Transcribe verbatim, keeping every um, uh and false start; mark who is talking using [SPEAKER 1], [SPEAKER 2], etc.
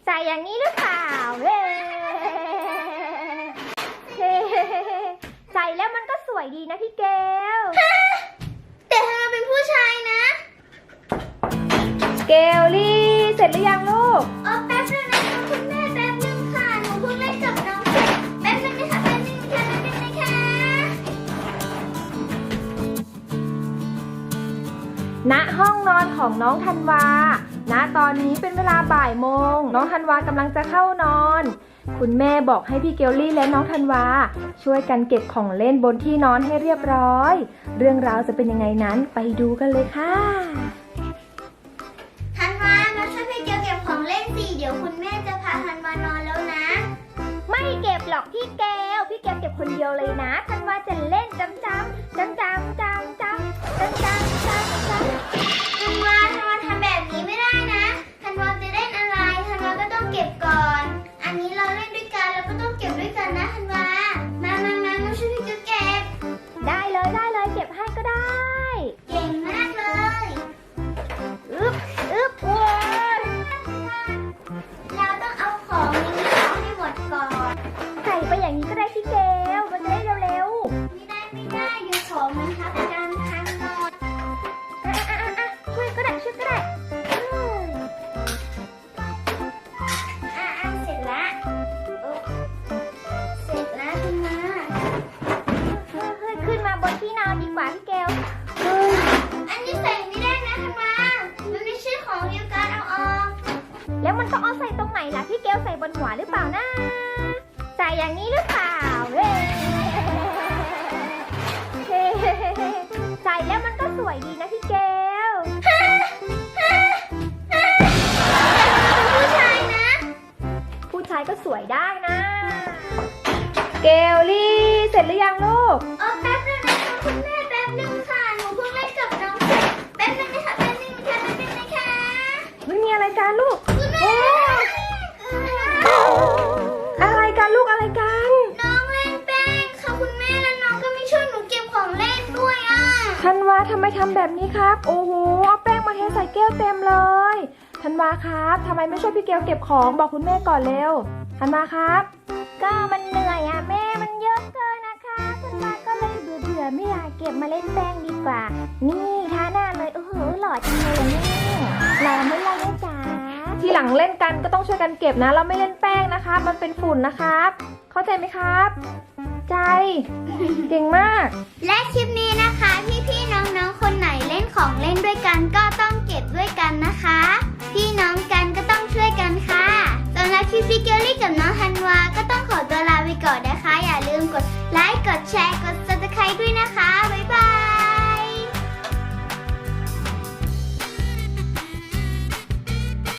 [SPEAKER 1] ใส่อย่างนี้หรือเปล่าเฮ้ใส่แล้วมันก็สวยดีนะพี่เกล
[SPEAKER 2] แต่ถ้าเราเป็นผู้ชายนะ
[SPEAKER 1] เกลลี่เสร็จหรือยังลูก
[SPEAKER 2] อ๋อแป๊บนึงนะคะคุณแม่แป๊บนึงค่ะหนูเพิ่งเล่นกับน้องเสร็จแป๊บนึงนะคะแป๊บนึงค่ะแป๊บนึงนะคะ
[SPEAKER 1] ณห้องนอนของน้องธันวาณตอนนี้เป็นเวลาบ่ายโมงน้องธันวากำลังจะเข้านอนคุณแม่บอกให้พี่เกลลี่และน้องธันวาช่วยกันเก็บของเล่นบนที่นอนให้เรียบร้อยเรื่องราวจะเป็นยังไงนั้นไปดูกันเลยค่ะ
[SPEAKER 2] ธันวามาช่วยพี่เกลเก็บของเล่นสิเดี๋ยวคุณแม่จะพาธันวานอนแล้วนะ
[SPEAKER 1] ไม่เก็บหรอกพี่เกลพี่เกลเก็บคนเดียวเลยนะธันวาจะเล่นจำจำจำจำจำจำจำจำจำจำ
[SPEAKER 2] ธันวาธันวาทำแบบนี้ไม่ได้นะธันวาจะเล่นอะไรธันวาก็ต้องเก็บก่อนอันนี้เราเล่นด้วยกันเราก็ต้องเก็บด้วยกันนะธันวามามามามาช่วยพี่เกลเก็บ
[SPEAKER 1] ได้เลยได้เลยเก็บให้ก็ได้
[SPEAKER 2] เก่งมากเลย
[SPEAKER 1] อึ๊บอึ๊บโว้ย
[SPEAKER 2] เราต้องเอาของนี้ออกให้หมดก่อน
[SPEAKER 1] ใส่ไปอย่างนี้ก็ได้พี่เกลมันจะได้เร็ว
[SPEAKER 2] ๆไม่ได้ไม่ได้เดี๋ยวของมันทับกันทั้งหมด
[SPEAKER 1] อ่ะอ่ะอ่ะช่วยก็ได้ช่วยก็ได้
[SPEAKER 2] อ่ะอ่ะเสร็จละเสร็จแล้วขึ้นมา
[SPEAKER 1] เฮ้ยเฮ้ยขึ้นมาบนที่นอนดีกว่าพี่เกล
[SPEAKER 2] อันนี้ใส่ไม่ได้นะธันวามันไม่ใช่ของเดียวกันเอาออก
[SPEAKER 1] แล้วมันต้องเอาใส่ตรงไหนล่ะพี่เกลใส่บนหัวหรือเปล่านะใส่อย่างนี้หรือเปล่าเฮ้ใส่แล้วมันก็สวยดีนะพี่เกล
[SPEAKER 2] ผู้ชายนะ
[SPEAKER 1] ผู้ชายก็สวยได้นะเกลลี่เสร็จหรือยังลูก
[SPEAKER 2] อ๋อแป๊บนึงนะคะคุณแม่แป๊บนึงค่ะหนูเพิ่งเล่นกับน้องเสร็จแป๊บนึงนะคะแป๊บนึงค่ะแป๊บนึงนะคะ
[SPEAKER 1] ไม่มีอะไรกันลูก
[SPEAKER 2] คุณแม่
[SPEAKER 1] อะไรกันลูกอะไรกัน
[SPEAKER 2] น้องเล่นแป้งค่ะคุณแม่แล้วน้องก็ไม่ช่วยหนูเก็บของเล่นด้วยอ่ะ
[SPEAKER 1] ธันวาทำไมทำแบบนี้ครับโอ้โหเอาแป้งมาเทใส่แก้วเต็มเลยธันวาครับทำไมไม่ช่วยพี่เกลเก็บของบอกคุณแม่ก่อนเร็วธันวาครับก็มันเหนื่อยอ่ะแม่มันเยอะเกินนะคะธันวาก็เลยเบื่อเบื่อไม่อยากเก็บมาเล่นแป้งดีกว่านี่ทาหน้าเลยโอ้โหหล่อจังเลยนี่หล่อไม่หล่อนะจ๊ะทีหลังเล่นกันก็ต้องช่วยกันเก็บนะเราไม่เล่นแป้งนะคะมันเป็นฝุ่นนะครับเข้าใจไหมครับใจเก่งมาก
[SPEAKER 2] และคลิปนี้นะคะพี่ๆน้องๆคนไหนเล่นของเล่นด้วยกันก็ต้องเก็บด้วยกันนะคะพี่น้องกันก็ต้องช่วยกันค่ะสำหรับคลิปพี่เกลลี่กับน้องธันวาก็ต้องขอตัวลาไปก่อนนะ